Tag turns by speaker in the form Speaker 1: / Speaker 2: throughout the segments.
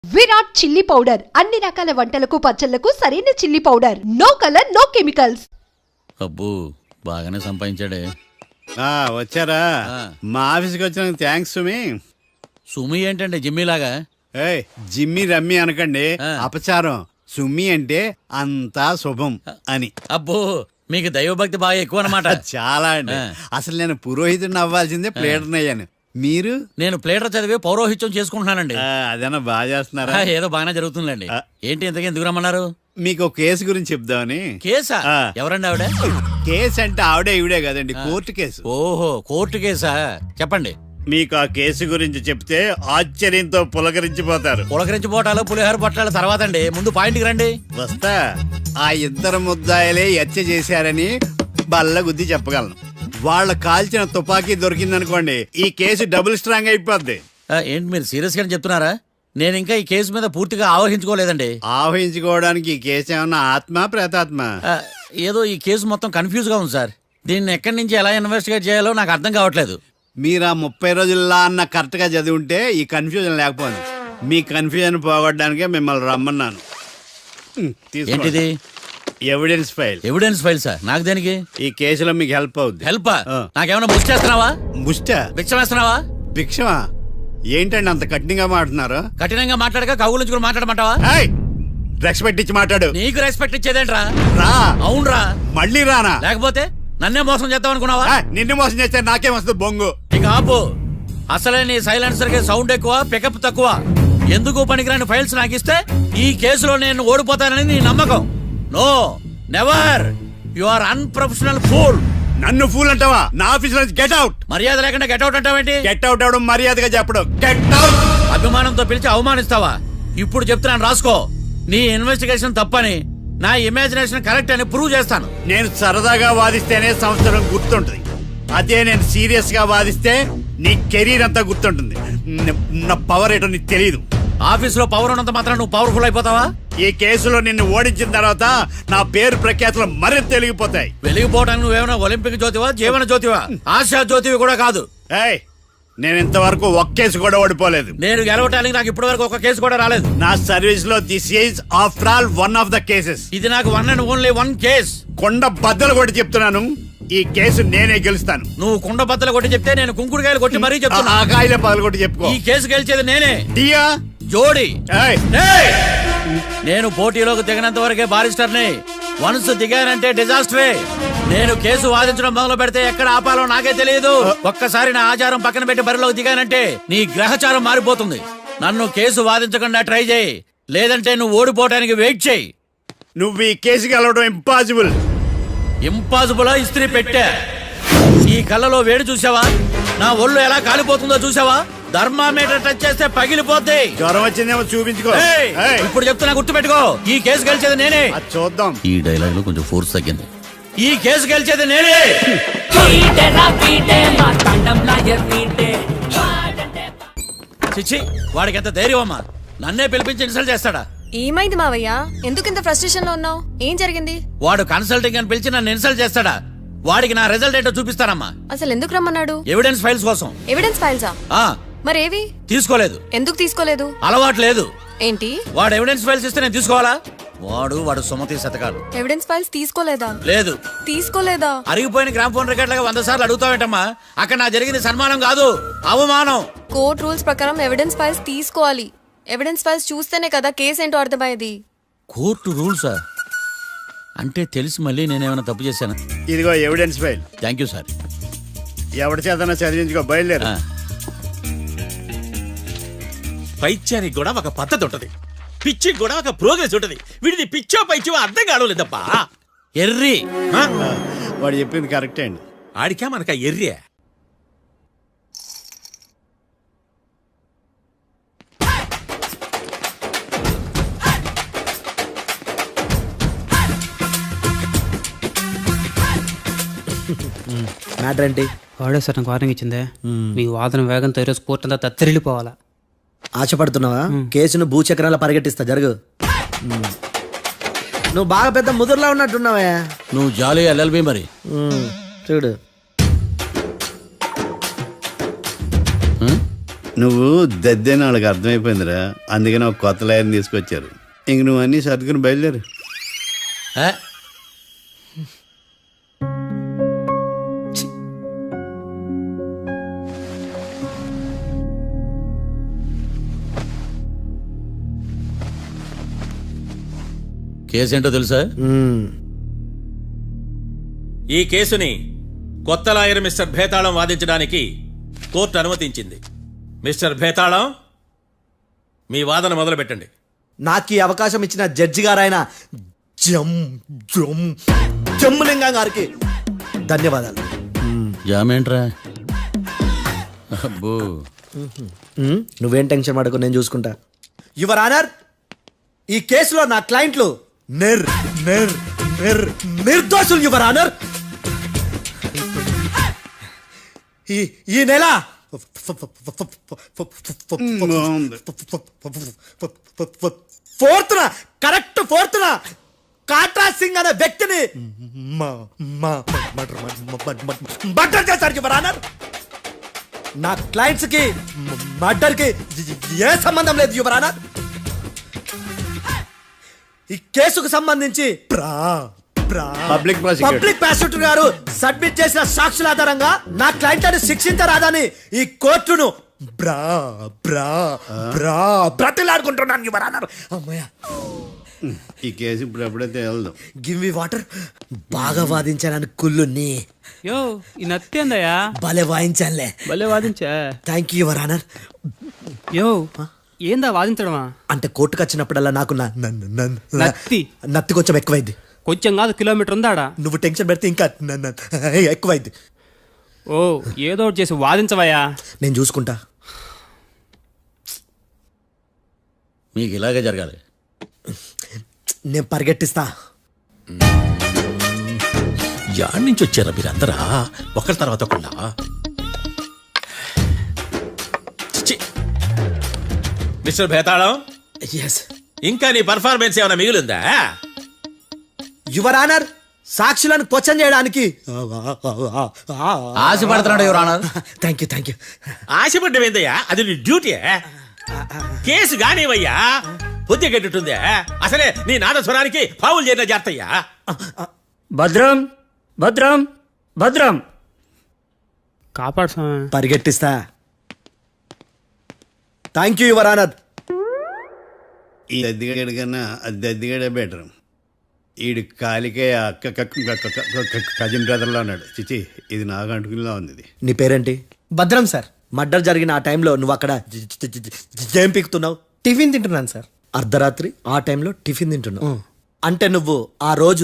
Speaker 1: Virat chilli powder అన్ని రకాల వంటలకు పచ్చళ్లకు సరైన chilli powder. No colour no chemicals.
Speaker 2: అబ్బో బాగానే సంపాదించాడే.
Speaker 3: వచ్చారా? మా ఆఫీస్కి వచ్చిన థ్యాంక్స్ సుమి.
Speaker 2: సుమి ఏంటంటే జిమ్మీలాగా?
Speaker 3: జిమ్మి రమ్మి అనకండి, అపచారం. సుమి అంటే అంతా శుభం అని.
Speaker 2: అబ్బో మీకు దైవభక్తి బాగా ఎక్కువ అన్నమాట.
Speaker 3: చాలా అండి. అసలు నేను పురోహితుడిని అవ్వాల్సిందే ప్లేటర్ని అయ్యాను. మీరు?
Speaker 2: నేను ప్లేటర్ చదివి పౌరోహిత్యం చేసుకుంటున్నానండి.
Speaker 3: అదేనా బాగా చేస్తున్నారా?
Speaker 2: ఏదో బాగానే జరుగుతుందండి. ఏంటి ఇంతకీ ఎందుకు రమ్మన్నారు?
Speaker 3: మీకు ఒక కేసు గురించి చెప్దామని.
Speaker 2: కేసా? ఎవరండి ఆవిడ?
Speaker 3: కేసు అంటే ఆవిడే ఈవిడే కదండి, కోర్టు కేసు.
Speaker 2: ఓహో కోర్టు కేసా, చెప్పండి.
Speaker 3: మీకు ఆ కేసు గురించి చెప్తే ఆశ్చర్యంతో పులకరించిపోతారు.
Speaker 2: పులకరించిపోవటాలు పులిహోర పొట్టాలు తర్వాత అండి, ముందు పాయింట్కి రండి.
Speaker 3: వస్తా. ఆ ఇద్దరు ముద్దాయలే హత్య చేశారని బల్ల గుద్ది చెప్పగలను. వాళ్ళ కాల్చిన తుపాకీ దొరికిందనుకోండి, ఈ కేసు డబుల్ స్ట్రాంగ్ అయిపోద్ది.
Speaker 2: ఏంటి మీరు సీరియస్ గానే చెప్తున్నారా? నేను ఇంకా ఈ కేసు మీద పూర్తిగా ఆవహించుకోలేదండి.
Speaker 3: ఆవహించుకోవడానికి ఈ కేసు ఏమన్నా ఆత్మ ప్రేతాత్మ?
Speaker 2: ఏదో ఈ కేసు మొత్తం కన్ఫ్యూజ్ గా ఉంది సార్. దీన్ని ఎక్కడి నుంచి ఎలా ఇన్వెస్టిగేట్ చేయాలో నాకు అర్థం కావట్లేదు.
Speaker 3: మీరు ఆ 30 రోజుల్లో అన్న కరెక్ట్ గా చదివి ఉంటే ఈ కన్ఫ్యూజన్ లేకపోయింది. మీ కన్ఫ్యూజన్ పోగొట్టడానికే మిమ్మల్ని రమ్మన్నాను.
Speaker 2: ఏంటిది?
Speaker 3: Evidence file.
Speaker 2: Evidence file sir? నాకు దేనికి?
Speaker 3: ఈ కేసులో మీకు హెల్ప్ అవుద్ది.
Speaker 2: హెల్ప్? నాకేమైనా ముష్టి చేస్తున్నావా?
Speaker 3: ముష్ట?
Speaker 2: భిక్ష వేస్తున్నావా?
Speaker 3: భిక్షమా? ఏంటండి అంత కఠినంగా మాట్లాడుతున్నారు?
Speaker 2: కఠినంగా మాట్లాడక కవుల నుంచి కూడా మాట్లాడమంటావా?
Speaker 3: రెస్పెక్ట్ ఇచ్చి మాట్లాడు.
Speaker 2: నీకు రెస్పెక్ట్ ఇచ్చేదేంట్రా?
Speaker 3: రా.
Speaker 2: అవునరా?
Speaker 3: మళ్ళీ రానా?
Speaker 2: లేకపోతే నన్నే మోసం చేద్దాం అనుకున్నావా?
Speaker 3: నిన్ను మోసం చేస్తే నాకేం వస్తుంది బొంగు?
Speaker 2: ఇక ఆపు. అసలే నీ సైలెన్సర్ కి సౌండ్ ఎక్కువ, పికప్ తక్కువ. ఎందుకు పనికిరాని ఫైల్స్ నాకు ఇస్తే ఈ కేసులో నేను ఓడిపోతానని నీ నమ్మకం. No never. You are unprofessional fool.
Speaker 3: నన్ను ఫూల్ అంటావా? నా ఆఫీస్ నుంచి గెట్ అవుట్.
Speaker 2: మర్యాద లేకుండా గెట్ అవుట్ అంటావేంటి?
Speaker 3: గెట్ అవుట్ అవడం మర్యాదగా చెప్పడం. Get out.
Speaker 2: అభిమానంతో పిలిచి అవమానిస్తావా? ఇప్పుడు చెప్తున్నాను రాసుకో. నీ ఇన్వెస్టిగేషన్ తప్పని, నా ఇమాజినేషన్ కరెక్ట్ అని ప్రూవ్ చేస్తాను.
Speaker 3: నేను సరదాగా వాదిస్తేనే సంవత్సరం గుర్తుంటుంది. అదే నేను సీరియస్ గా వాదిస్తే నీ కెరీర్ అంతా గుర్తుంటుంది. నా పవర్ ఏంటో నీకు తెలియదు.
Speaker 2: ఆఫీసులో పవర్ ఉన్నంత మాత్రం నువ్వు పవర్ఫుల్ అయిపోతావా?
Speaker 3: ఈ కేసులో నిన్ను ఓడించిన తర్వాత నా పేరు ప్రఖ్యాతులు మరింత వెలిగిపోతాయి.
Speaker 2: వెలిగిపోవడానికి నువ్వేమైనా ఒలింపిక్ జ్యోతివా, జీవన జ్యోతివా, ఆశా జ్యోతివి కూడా కాదు.
Speaker 3: నేను ఇంతవరకు ఒక్క కేసు కూడా ఓడిపోలేదు.
Speaker 2: నేను గెలవటానికి నాకు ఇప్పటి వరకు ఒక కేసు కూడా రాలేదు.
Speaker 3: నా సర్వీస్ లో this is after all one of the cases.
Speaker 2: ఇది నాకు one and only one case.
Speaker 3: కొండ బద్దలు కొట్టి చెప్తున్నాను, ఈ కేసు నేనే గెలుస్తాను.
Speaker 2: నువ్వు కుండ బద్దలు కొట్టి చెప్తే నేను కుంకుడుకాయలు కొట్టి మరీ చెప్తున్నా.
Speaker 3: ఆ కాయలే పగలు కొట్టి చెప్పుకో.
Speaker 2: ఈ కేసు గెలిచేది నేనే.
Speaker 3: డియా
Speaker 2: జోడి. నేను పోటీలోకి దిగినంత వరకే బారిస్టర్ని. వన్స్ దిగానంటే డిజాస్టరే. నేను కేసు వాదించడం మొదలు పెడితే ఎక్కడ ఆపాలో నాకే తెలియదు. ఒక్కసారి నా ఆచారం పక్కన పెట్టి బరిలోకి దిగానంటే నీ గ్రహచారం మారిపోతుంది. నన్ను కేసు వాదించకుండా ట్రై చేయి, లేదంటే నువ్వు ఓడిపోవటానికి వెయిట్ చేయి.
Speaker 3: నువ్వు ఈ కేసు గెలవడం ఇంపాసిబుల్.
Speaker 2: ఇంపాసిబులా? ఇస్త్రీ పెట్టా. ఈ కళ్ళలో వేడి చూసావా? నా ఒళ్ళు ఎలా కాలిపోతుందో చూసావా? థర్మామీటర్ టచ్ చేస్తే పగిలిపోద్ది.
Speaker 3: జ్వరం వచ్చిందేమో చూపించుకో.
Speaker 2: ఇప్పుడు చెప్తున్నా, గుర్తు పెట్టుకో. ఈ కేసు గెలిచేది నేనే.
Speaker 3: చూద్దాం.
Speaker 2: ఈ డైలాగ్ లో కొంచెం ఫోర్స్ తగ్గింది. ఈ కేసు గెలిచేది నేనే. చిచ్చి, వాడికి ఎంత ధైర్యం అమ్మా! నన్నే పిలిపించి ఇన్సల్ట్ చేస్తాడా?
Speaker 4: ఏమైంది మావయ్య? ఎందుకు ఇంత ఫ్రస్ట్రేషన్ లో ఉన్నావు? ఏం జరిగింది?
Speaker 2: వాడు కన్సల్టింగ్ అని పిలిచి నన్ను ఇన్సల్ట్ చేస్తాడా? వాడికి నా రిజల్ట్ ఏంటో చూపిస్తానమ్మా.
Speaker 4: అసలు ఎందుకు రమ్మన్నాడు?
Speaker 2: ఎవిడెన్స్ ఫైల్స్ కోసం.
Speaker 4: ఎవిడెన్స్ ఫైల్సా? మరేవి?
Speaker 2: తీసుకోలేదు.
Speaker 4: ఎందుకు తీసుకోలేదు?
Speaker 2: అలవాటు లేదు.
Speaker 4: ఏంటి?
Speaker 2: వాడు ఎవిడెన్స్ ఫైల్స్ ఇస్తే నేను తీసుకోవాలా? వాడు సుమతి శతకాలు.
Speaker 4: ఎవిడెన్స్ ఫైల్స్ తీసుకోలేదా?
Speaker 2: లేదు.
Speaker 4: తీసుకోలేదా?
Speaker 2: అరిగిపోయిన గ్రామ్ ఫోన్ రికార్డులుగా 100 సార్లు అడుగుతావేంటమ్మా? అక్కడ నా జరిగింది సన్మానం కాదు, అవమానం.
Speaker 4: కోర్ట్ రూల్స్ ప్రకారం ఎవిడెన్స్ ఫైల్స్ తీసుకోవాలి. ఎవిడెన్స్ ఫైల్స్ చూస్తేనే కదా కేసు ఏంటో అర్థమయ్యేది.
Speaker 2: కోర్టు రూల్సా? అంటే తెలిసి మళ్ళీ నేనేమైనా తప్పు చేశాను?
Speaker 3: ఇదిగో evidence file.
Speaker 2: Thank you sir.
Speaker 3: ఎవరి చేతనా చదివించుకో, బయలుదేరు.
Speaker 5: పైత్యానికి కూడా ఒక పద్ధతి ఉంటది, పిచ్చికి కూడా ఒక ప్రోగ్రెస్ ఉంటది. వీడిది పిచ్చో పైచో అర్థం కావలేదప్పా.
Speaker 2: ఎర్రి.
Speaker 3: వాడు చెప్పింది కరెక్టే అండి.
Speaker 5: ఆడికా మనక ఎర్రియా?
Speaker 6: మ్యాటర్ ఏంటి?
Speaker 7: వాడే సార్ నాకు వార్నింగ్ ఇచ్చిందే. మీ వాదన వేగంతో ఈరోజు కోర్టు అంతా తత్తరిల్లిపోవాలా.
Speaker 6: ఆశపడుతున్నావా? కేసును భూచక్రాల పరిగెట్టిస్తా, జరుగు. నువ్వు బాగా పెద్ద ముదురులా ఉన్నట్టున్నావే.
Speaker 2: నువ్వు జాలి ఎల్ఎల్బి మరి.
Speaker 6: చూడు,
Speaker 3: నువ్వు దద్దని వాళ్ళకి అర్థమైపోయిందిరా, అందుకని ఒక కొత్త లాయర్ని తీసుకొచ్చారు. ఇంక నువ్వు అన్నీ సర్దుకుని బయలుదేరు.
Speaker 2: ఏ? కేసు ఏంటో తెలుసా?
Speaker 5: ఈ కేసుని కొత్త లాయర్ మిస్టర్ భేతాళం వాదించడానికి కోర్టు అనుమతించింది. మిస్టర్ భేతాళం, మీ వాదన మొదలు పెట్టండి.
Speaker 6: నాకు ఈ అవకాశం ఇచ్చిన జడ్జి గారైన జమ్ములింగం గారికి ధన్యవాదాలు.
Speaker 2: జామేంట్రా? అబ్బో,
Speaker 6: నువ్వేం టెన్షన్ పడకు, నేను చూసుకుంటా. యువర్ ఆనర్, ఈ కేసులో నా క్లయింట్లు నిర్దోషులు యువర్ ఆనర్. ఈ నెల ఫోర్త్న కాట్రా సింగ్ అనే వ్యక్తిని మర్డర్ చేశారు యువర్ ఆనర్. నా క్లయింట్స్ కి మర్డర్ కి ఏ సంబంధం లేదు యువర్ ఆనర్. ఈ కేసుకు సంబంధించి
Speaker 3: పబ్లిక్
Speaker 6: ప్రాసిక్యూటర్ గారు సబ్మిట్ చేసిన సాక్షుల ఆధారంగా నా క్లయింట్ అని శిక్షించరాదని ఈ కోర్టును బ్రతిలాడుకుంటున్నాను యువర్ ఆనర్. అమ్మయ్య,
Speaker 3: ఈ కేసు ఇప్పుడు ఎప్పుడైతే వెళ్దాం.
Speaker 6: Give me water. బాగా వాదించానని కుళ్ళుని
Speaker 7: యో ఈ నత్తేందయ్యా?
Speaker 6: భలే వాయించానులే.
Speaker 7: భలే వాదించా.
Speaker 6: Thank you your honour.
Speaker 7: Yo ఏందా వాదించడమా?
Speaker 6: అంటే కోర్టుకు వచ్చినప్పుడల్లా నాకు నత్తి కొంచెం ఎక్కువైంది.
Speaker 7: కొంచెం కాదు, కిలోమీటర్ ఉందాడా.
Speaker 6: నువ్వు టెన్షన్ పెడితే ఇంకా ఎక్కువైంది.
Speaker 7: ఓ ఏదో ఒకటి చేసి వాదించవయ్యా.
Speaker 6: నేను చూసుకుంటా.
Speaker 2: మీకు ఇలాగే జరగాలి.
Speaker 6: నేను పరిగెట్టిస్తా.
Speaker 5: యాడ్ నుంచి వచ్చారా మీరందరా ఒకరి తర్వాత ఒకళ్ళ? మిస్టర్ భేతాళం, ఇంకా నీ పర్ఫార్మెన్స్ ఏమైనా మిగిలిందా?
Speaker 6: యువర్ ఆనర్, సాక్షులను క్వశ్చన్ చేయడానికి
Speaker 2: ఆశపడుతున్నాడు యువర్ ఆనర్.
Speaker 6: Thank you.
Speaker 5: ఆశపడ్డం ఏందయ్యా? అది నీ డ్యూటీ. కేసు గానివయ్యా, బుద్ధి గట్టుందే. అసలే నీ నాదస్వరానికి పావులు చేరిన జాతయ్యా.
Speaker 7: భద్రం భద్రం భద్రం కాపాడు స్వామి.
Speaker 6: పరిగెట్టిస్తా. Thank you your honour.
Speaker 3: ఈ దద్దిగడి కన్నా అది దద్దిగడే బెటర్. ఈడు కాలికే కజిన్ బ్రదర్లో ఉన్నాడు. చిచి, ఇది నాకు అంటుకునిలా ఉంది. ఇది
Speaker 6: నీ పేరేంటి?
Speaker 8: భద్రం సార్.
Speaker 6: మర్డర్ జరిగిన ఆ టైంలో నువ్వు అక్కడ ఏం పీకుతున్నావు?
Speaker 8: టిఫిన్ తింటున్నాను సార్.
Speaker 6: అర్ధరాత్రి ఆ టైంలో టిఫిన్ తింటున్నావు అంటే నువ్వు ఆ రోజు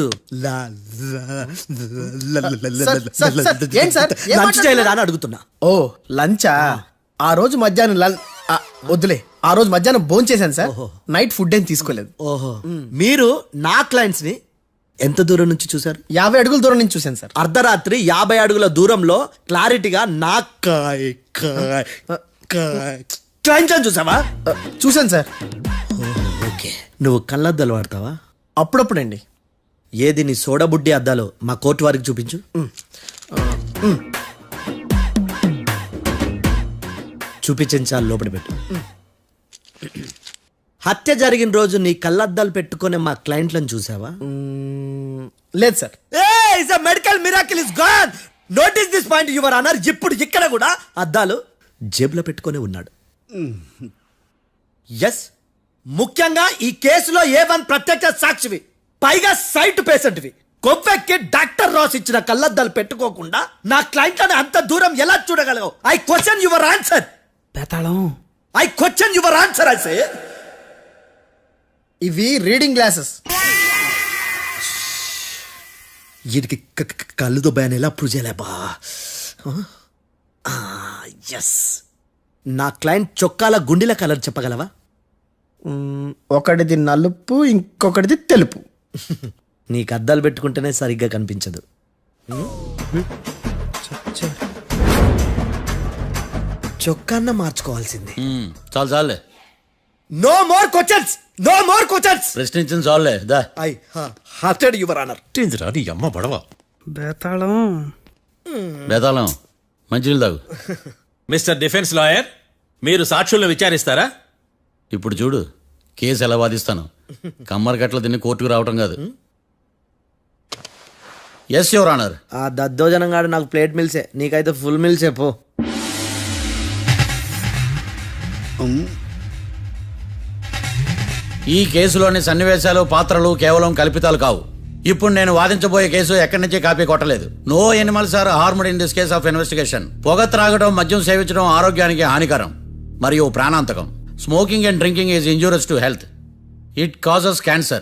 Speaker 8: ఏం సార్?
Speaker 6: లంచ్ చేయలేదా అని అడుగుతున్నా.
Speaker 8: ఓ లంచా? ఆ రోజు మధ్యాహ్నం వద్దులే, ఆ రోజు మధ్యాహ్నం భోంచేశాను సార్. నైట్ ఫుడ్ ఏం తీసుకోలేదు.
Speaker 6: ఓహో, మీరు నా క్లయింట్స్ ని ఎంత దూరం నుంచి చూసారు?
Speaker 8: 50 అడుగుల దూరం నుంచి చూశాను సార్.
Speaker 6: అర్ధరాత్రి 50 అడుగుల దూరంలో క్లారిటీగా నా క్లయింట్స్ అని చూసావా?
Speaker 8: చూశాను సార్.
Speaker 6: ఓకే, నువ్వు కళ్ళద్దాలు వాడతావా?
Speaker 8: అప్పుడప్పుడండి.
Speaker 6: ఏది నీ సోడబుడ్డి అద్దాలు మా కోర్టు వారికి చూపించు. చూపించాలి, లోపల పెట్టు. హత్య జరిగిన రోజు నీ కళ్ళద్దాలు పెట్టుకునే మా క్లయింట్లను చూసావా?
Speaker 8: లేదు sir.
Speaker 6: Medical miracle is gone. Notice this point your honour. ఇప్పుడు ఇక్కడ కూడా అద్దాలు జేబులో పెట్టుకొని ఉన్నాడు. ఎస్, ముఖ్యంగా ఈ కేసులో A1 ప్రత్యక్ష సాక్షివి, పైగా సైట్ పేషెంట్వి. కొవ్వెక్కి డాక్టర్ రాస్ ఇచ్చిన కళ్ళద్దాలు పెట్టుకోకుండా నా క్లయింట్లను అంత దూరం ఎలా చూడగలవు? I question your answer.
Speaker 7: Bhetalam,
Speaker 6: I question your answer. I say
Speaker 8: ఇవి రీడింగ్ గ్లాసెస్.
Speaker 6: వీటికి కళ్ళుతో భయాన్ని ఎలా ప్రూవ్ చేయలేబా? ఎస్, నా క్లయింట్ చొక్కాల గుండెల కలర్ చెప్పగలవా?
Speaker 8: ఒకటిది నలుపు, ఇంకొకటిది తెలుపు.
Speaker 6: నీకు అద్దాలు పెట్టుకుంటేనే సరిగ్గా కనిపించదు. చొక్కాన్న మార్చుకోవాల్సింది.
Speaker 2: చాలు చాలులే,
Speaker 6: no more questions, no more questions.
Speaker 2: ప్రశ్నించింది చాలులే. దా
Speaker 6: ఐ హార్టెడ్ యువర్ ఆనర్.
Speaker 5: నీ అమ్మ పడవ.
Speaker 7: బేతాళం
Speaker 2: బేతాళం, మంచినీళ్ళు తాగు.
Speaker 5: మిస్టర్ డిఫెన్స్ లాయర్, మీరు సాక్షులను విచారిస్తారా?
Speaker 2: ఇప్పుడు చూడు కేసు ఎలా వాదిస్తాను. కమ్మరి గట్ల తిని కోర్టుకు రావటం కాదు. Yes your honour.
Speaker 6: ఆ దద్దోజనం గాడు నాకు ప్లేట్ మిల్సే, నీకైతే ఫుల్ మిల్సే పో.
Speaker 2: ఈ కేసులోని సన్నివేశాలు పాత్రలు కేవలం కల్పితాలు కావు. ఇప్పుడు నేను వాదించబోయే కేసు ఎక్కడి నుంచి కాపీ కొట్టలేదు. No animals are harmed in this case of investigation. పొగ త్రాగడం, మద్యం సేవించడం ఆరోగ్యానికి హానికరం మరియు ప్రాణాంతకం. Smoking and drinking is injurious to health. It causes cancer.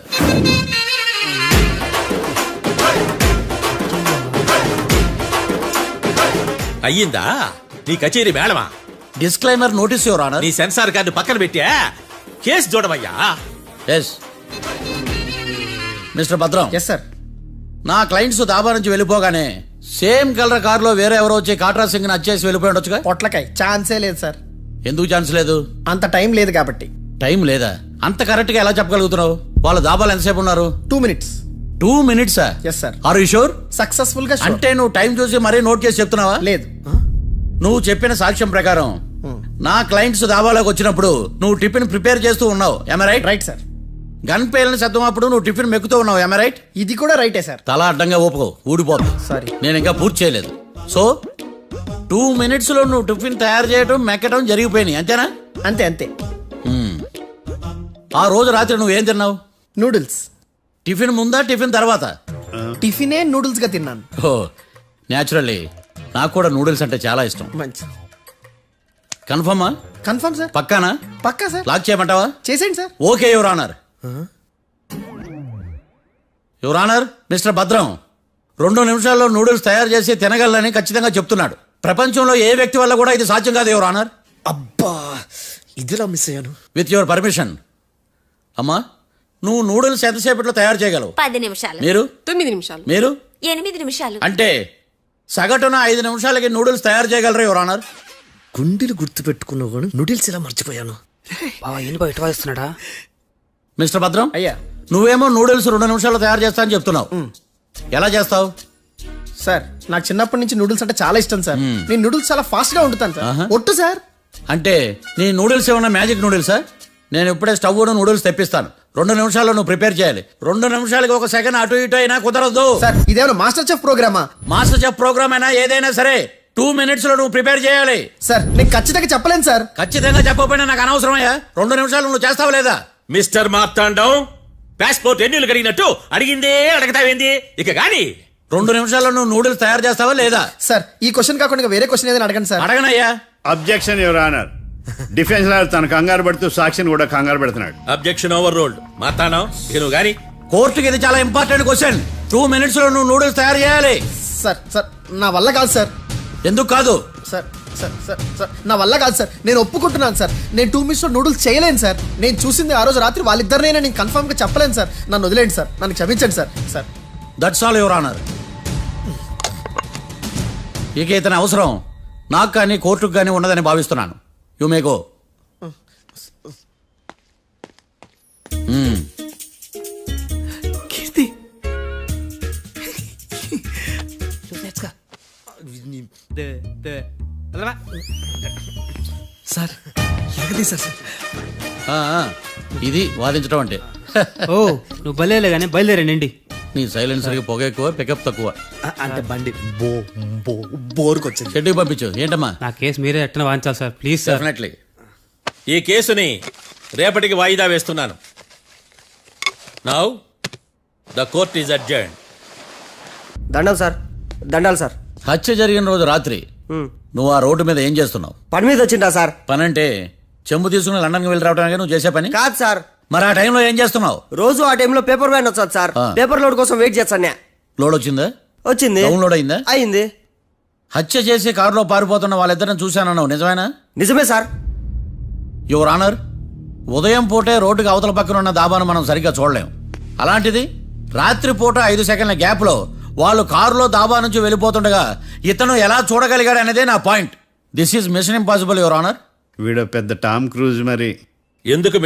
Speaker 5: అయ్యిందా నీ కచేరీ మేడమా?
Speaker 2: Disclaimer notice your honour.
Speaker 5: నీ సెన్సార్ కార్డు పక్కన పెట్టా కేసు చూడమయ్యా.
Speaker 2: Yes mister Bhadram.
Speaker 8: Yes sir.
Speaker 2: నా క్లయింట్స్ దాబా నుంచి వెళ్ళిపోగానే సేమ్ కలర్ కారులో వేరే ఎవరో వచ్చి కాట్రా సింగ్ వచ్చేసి వెళ్ళిపోయి ఉండొచ్చుగా.
Speaker 8: పొట్లకాయ ఛాన్సే లేదు సార్.
Speaker 2: ఎందుకు ఛాన్స్ లేదు?
Speaker 8: అంత టైం లేదు కాబట్టి.
Speaker 2: టైం లేదా? అంత కరెక్ట్ గా ఎలా చెప్పగలుగుతున్నావు? వాళ్ళ దాబాలు ఎంతసేపు ఉన్నారు?
Speaker 8: 2 minutes.
Speaker 2: 2 minutes?
Speaker 8: Yes sir.
Speaker 2: Are you sure?
Speaker 8: Successful గా sure.
Speaker 2: అంటే నువ్వు టైం చూసి మరీ నోట్ చేసి చెప్తున్నావా?
Speaker 8: లేదు.
Speaker 2: నువ్వు చెప్పిన సాక్ష్యం ప్రకారం నా క్లయింట్స్ దాబాలోకి వచ్చినప్పుడు నువ్వు టిఫిన్ ప్రిపేర్ చేస్తూ ఉన్నావు. Am I right?
Speaker 8: Right sir.
Speaker 2: Gun పేలిన శబ్దం అప్పుడు నువ్వు టిఫిన్ మెక్కుతూ ఉన్నావు. Am I right?
Speaker 8: ఇది కూడా రైటే సార్.
Speaker 2: తల అడ్డంగా ఊపుకో, ఊడిపోదు.
Speaker 8: Sorry.
Speaker 2: నేను ఇంకా పూర్తి చేయలేదు. సో 2 minutes లో నువ్వు టిఫిన్ తయారు చేయడం మెక్కడం జరిగిపోయినాయి అంతేనా?
Speaker 8: అంతే అంతే.
Speaker 2: ఆ రోజు రాత్రి నువ్వు ఏం తిన్నావు?
Speaker 8: నూడిల్స్.
Speaker 2: టిఫిన్ ముందా టిఫిన్ తర్వాత?
Speaker 8: టిఫినే నూడిల్స్ గా తిన్నాను.
Speaker 2: ఓ న్యాచురల్లీ నాకు కూడా నూడిల్స్ అంటే చాలా ఇష్టం.
Speaker 8: మంచి.
Speaker 2: కన్ఫర్మా?
Speaker 8: Confirm sir.
Speaker 2: పక్కానా?
Speaker 8: పక్కా సార్.
Speaker 2: లాక్ చేయమంటావా?
Speaker 8: చేసేయండి sir.
Speaker 2: Okay your honour. Your honour, mister Bhadram 2 నిమిషాల్లో నూడిల్స్ తయారు చేసి తినగలని ఖచ్చితంగా చెప్తున్నాడు. ప్రపంచంలో ఏ వ్యక్తి వల్ల కూడా ఇది సాధ్యం కాదు యువర్ ఆనర్.
Speaker 6: అబ్బా ఇదిలా మిస్ అయ్యాను.
Speaker 2: With your permission. అమ్మా, నువ్వు నూడిల్స్ ఎంతసేపట్లో తయారు చేయగలవు?
Speaker 9: 10 నిమిషాలు.
Speaker 2: మీరు?
Speaker 4: 9 నిమిషాలు.
Speaker 2: మీరు?
Speaker 9: 8 నిమిషాలు.
Speaker 2: అంటే సగటున 5 నిమిషాలకి నూడిల్స్ తయారు చేయగలరు యువర్ ఆనర్.
Speaker 6: గుండెలు గుర్తు పెట్టుకున్నావు కానీ నూడిల్స్ ఇలా మర్చిపోయాను.
Speaker 7: బావా ఏంటి బయట వాయిస్తున్నాడా?
Speaker 2: మిస్టర్ భద్రం,
Speaker 8: అయ్యా.
Speaker 2: నువ్వేమో నూడిల్స్ 2 నిమిషాల్లో తయారు చేస్తా అని చెప్తున్నావు. ఎలా చేస్తావు?
Speaker 8: సార్ నాకు చిన్నప్పటి నుంచి నూడిల్స్ అంటే చాలా ఇష్టం సార్. నేను నూడిల్స్ చాలా ఫాస్ట్ గా వండుతాను సార్. ఒట్టు సార్.
Speaker 2: అంటే నీ నూడిల్స్ ఏమన్నా మ్యాజిక్ నూడిల్సా? నేను ఇప్పుడే స్టవ్ నూడిల్స్ తెప్పిస్తాను. 2 నిమిషాల్లో నువ్వు ప్రిపేర్ చేయాలి. 2 నిమిషాలకి 1 సెకండ్ అటు ఇటు అయినా కుదరదు.
Speaker 8: సార్ ఇదేమైనా మాస్టర్ చెఫ్ ప్రోగ్రామా?
Speaker 2: మాస్టర్ చెఫ్ ప్రోగ్రామ్ అయినా ఏదైనా సరే 2 minutes లో నువ్వు ప్రిపేర్ చేయాలి.
Speaker 8: సార్ నేను ఖచ్చితంగా చెప్పలేను సార్.
Speaker 2: ఖచ్చితంగా చెప్పకపోయినా నాకు అనవసరమయ్యా. 2 నిమిషాలు నువ్వు చేస్తావు లేదా?
Speaker 5: మిస్టర్ మార్తాండం పాస్పోర్ట్ ఎన్నిలు కడిగినట్టు అడిగిందే అడగతావేంది ఇక గాని.
Speaker 2: 2 నిమిషాల్లో నువ్వు నూడిల్స్ తయారు చేస్తావా లేదా?
Speaker 8: సార్ ఈ క్వశ్చన్ కాకుండా ఇంకా వేరే క్వశ్చన్ ఏదైనా అడగండి సార్.
Speaker 2: అడగనయ్యా.
Speaker 3: Objection your honour. Defence lawyer తన కంగారు పడుతూ సాక్షిని కూడా కంగారు పెడుతున్నాడు.
Speaker 5: Objection over ruled. మార్తాండం ఇక నువ్వు గాని.
Speaker 2: కోర్టుకి ఇది చాలా ఇంపార్టెంట్ క్వశ్చన్. 2 minutes లో నువ్వు నూడిల్స్ తయారు చేయాలి.
Speaker 8: సార్ సార్ నా వల్ల కాదు సార్.
Speaker 2: ఎందుకు కాదు?
Speaker 8: సార్ సార్ సార్ సార్ నా వల్ల కాదు సార్. నేను ఒప్పుకుంటున్నాను సార్. నేను 2 minutes లో నూడిల్స్ చేయలేను సార్. నేను చూసింది ఆ రోజు రాత్రి వాళ్ళిద్దరినైనా నేను కన్ఫర్మ్ గా చెప్పలేను సార్. నన్ను వదిలేండి సార్. నన్ను క్షమించండి sir. Sir
Speaker 2: that's all your honour. ఇక ఇతని అవసరం నాకు కానీ కోర్టుకు కానీ ఉన్నదని భావిస్తున్నాను. You may go.
Speaker 6: కీర్తి సార్ ఎగది సార్.
Speaker 2: ఇది వాదించడం అంటే.
Speaker 7: ఓ నువ్వు బయలుదేరలే కానీ బయలుదేరండి.
Speaker 2: నీ సైలెన్సర్కి పొగ ఎక్కువ, పికప్ తక్కువ.
Speaker 6: అంటే బండి బోర్కి వచ్చింది.
Speaker 2: షెడ్యూల్ పంపించు. ఏంటమ్మా?
Speaker 7: నా కేసు మీరే ఎట్టన వాయించాలి సార్ ప్లీజ్ సార్.
Speaker 2: డెఫినెట్లీ.
Speaker 5: ఈ కేసుని రేపటికి వాయిదా వేస్తున్నాను. Now the court is adjourn.
Speaker 6: దండాలు సార్. దండాలు సార్.
Speaker 2: హత్య జరిగిన రోజు రాత్రి నువ్వు ఆ రోడ్డు మీద ఏం చేస్తున్నావు?
Speaker 6: పని మీద వచ్చిందా సార్?
Speaker 2: పని అంటే చెంబు తీసుకుని లండన్కి వెళ్ళి రావడానికి నువ్వు చేసే పని
Speaker 6: కాదు సార్.
Speaker 2: మరి ఆ టైంలో ఏం చేస్తున్నావు?
Speaker 6: రోజు ఆ టైంలో పేపర్ వ్యాన్ వచ్చాది సార్. పేపర్ లోడ్ కోసం వెయిట్ చేస్తాను.
Speaker 2: లోడ్ వచ్చిందా?
Speaker 6: వచ్చింది.
Speaker 2: డౌన్లోడ్ అయిందా?
Speaker 6: అయింది.
Speaker 2: హత్య చేసి కారులో పారిపోతున్న వాళ్ళిద్దరిని చూశానన్నావు, నిజమేనా?
Speaker 6: నిజమే సార్.
Speaker 2: యువర్ ఆనర్, ఉదయం పూటే రోడ్డుకి అవతల పక్కన ఉన్న దాబాను మనం సరిగ్గా చూడలేం. అలాంటిది రాత్రి పూట 5 సెకండ్ల గ్యాప్ లో వాళ్ళు కారులో దాబా నుంచి వెళ్ళిపోతుండగా ఇతను ఎలా చూడగలిగాడు అనేదే నా point. This is mission impossible your honour.
Speaker 3: వీడు పెద్ద టామ్ క్రూజ్ మరి.
Speaker 5: ఎందుకు